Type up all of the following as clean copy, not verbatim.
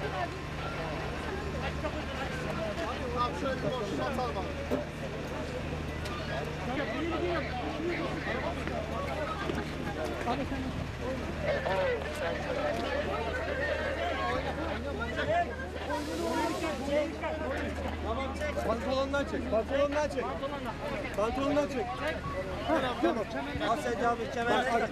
Abi şöyle bir boşluğa sal bak. Pantolondan çek, pantolondan çek. Pantolondan çek. Tamam. Asya abi kemerleri tak,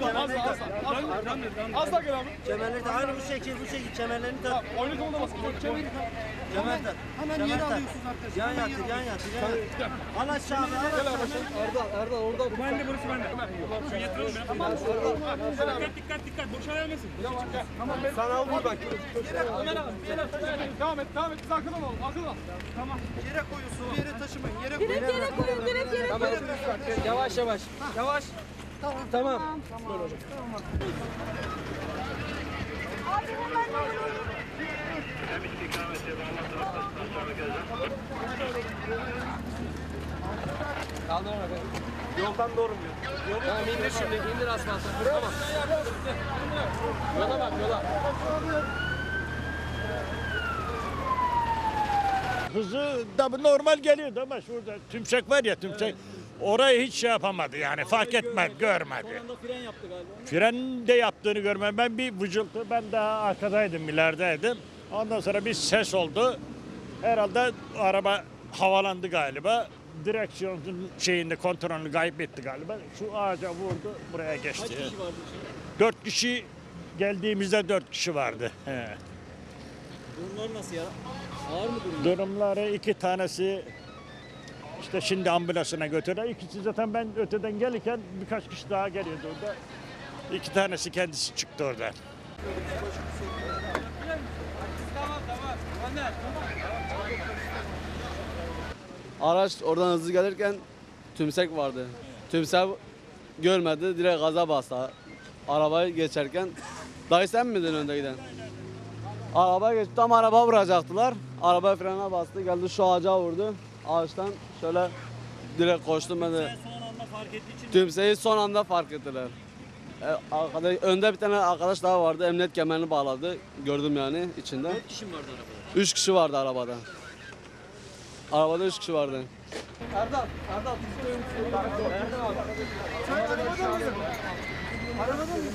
Az da gel abi. kemerleri tak. Aynı bu şekil kemerlerini tak. Oyunu konuda basın. Kemer tak. Hemen yere alıyorsunuz arkadaşlar. Yan yatır, yan yatır, yan yatır. Al aşağı abi, al aşağı. Erdal orada. Bende burası bende. Şu yatıralım ya. Tamam. Dikkat. Boşalayamazsın. Tamam sen al buradan. Devam et. Sakın ol. Tamam. Yere koyuyorsun. Yere taşımayın. Yere Direkt yere koyun, direkt yere koyun. Yavaş. Yavaş. Tamam. Abi hemen Yoldan doğru mu? Tamam indir şimdi. İndir asfalta. Tamam. Yola bak yola. Hızı da normal geliyordu ama şurada tümsek var ya tümsek. Orayı hiç şey yapamadı yani fark etmedi, görmedi. Fren yaptı galiba. Fren de yaptığını görmem. Ben bir vıcıltı, ben daha arkadaydım, ilerideydim. Ondan sonra bir ses oldu. Herhalde araba havalandı galiba. Direksiyonun şeyinde kontrolünü kaybetti galiba. Şu ağaca vurdu, buraya geçti. Kaç kişi vardı şimdi? 4 kişi geldiğimizde 4 kişi vardı. He. Durumlar nasıl ya? Ağır mı durum? Durumları 2 tanesi işte şimdi ambulansına götürdüler. İkisi zaten ben öteden gelirken birkaç kişi daha geliyordu orada. 2 tanesi kendisi çıktı oradan. Araç oradan hızlı gelirken tümsek vardı. Tümsek görmedi, direkt gaza bastı. Arabayı geçerken, dayı sen miydin önde giden? Arabaya geçti, tam araba vuracaktılar. Araba frene bastı, geldi şu ağaca vurdu. Ağaçtan şöyle direkt koştum ben de. Son anda fark ettiği için Tümseyi son anda fark ettiler. Önde bir tane arkadaş daha vardı, emniyet kemerini bağladı. Gördüm yani içinde. 4 kişi mi vardı arabada? 3 kişi vardı arabada. Arabada 3 kişi vardı. Erdal. Sen arabada mısın? Arabada mısın?